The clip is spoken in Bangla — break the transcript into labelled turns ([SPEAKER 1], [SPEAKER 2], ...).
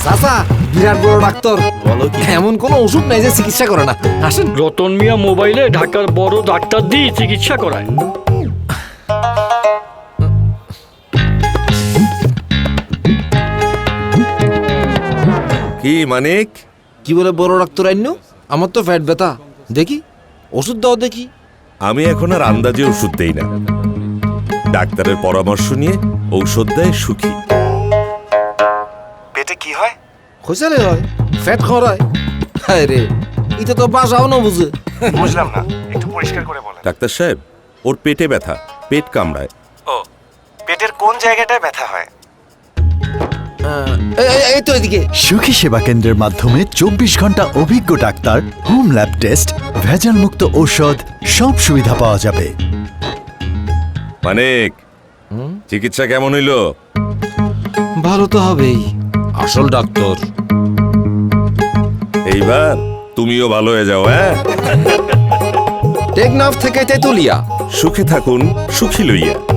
[SPEAKER 1] চাচা বিরাট বড় ডাক্তার।
[SPEAKER 2] বলো কি?
[SPEAKER 1] এমন কোনো ওষুধ নাই যে চিকিৎসা করে না। আসেন।
[SPEAKER 3] রতন মিয়া মোবাইলে ঢাকার বড় ডাক্তার দিয়ে চিকিৎসা করায়।
[SPEAKER 2] কি মানিক?
[SPEAKER 1] কি বলে বড় ডাক্তার আইন? আমার তো ফ্যাট ব্যথা, দেখি ওষুধ দাও দেখি।
[SPEAKER 2] আমি এখন আর আন্দাজে ওষুধ দেই না, ডাক্তারের পরামর্শ নিয়ে ঔষধ দেয় সুখী।
[SPEAKER 4] পেটে কি হয়?
[SPEAKER 1] খোঁচালে হয়, ফ্যাট খরায়। হায় রে, এটা তো বাসাও না বুঝে।
[SPEAKER 4] বুঝলাম না, একটু পরিষ্কার করে বলেন।
[SPEAKER 2] ডাক্তার সাহেব, ওর পেটে ব্যথা, পেট কামড়ায়।
[SPEAKER 4] ও, পেটের কোন জায়গাটায় ব্যথা হয়?
[SPEAKER 1] এই তো এদিকে।
[SPEAKER 5] সুখী সেবা কেন্দ্রের মাধ্যমে 24 ঘন্টা অভিজ্ঞ ডাক্তার, হোম ল্যাব টেস্ট, ভেজাল মুক্ত ঔষধ, সব সুবিধা পাওয়া যাবে।
[SPEAKER 2] মানিক, চিকিৎসা কেমন হইল?
[SPEAKER 1] ভালো তো হবেই, আসল ডাক্তার।
[SPEAKER 2] এইবার তুমিও ভালো হয়ে যাও। হ্যাঁ,
[SPEAKER 1] টেকনাফ থেকে তেতুলিয়া।
[SPEAKER 2] সুখে থাকুন সুখী লইয়া।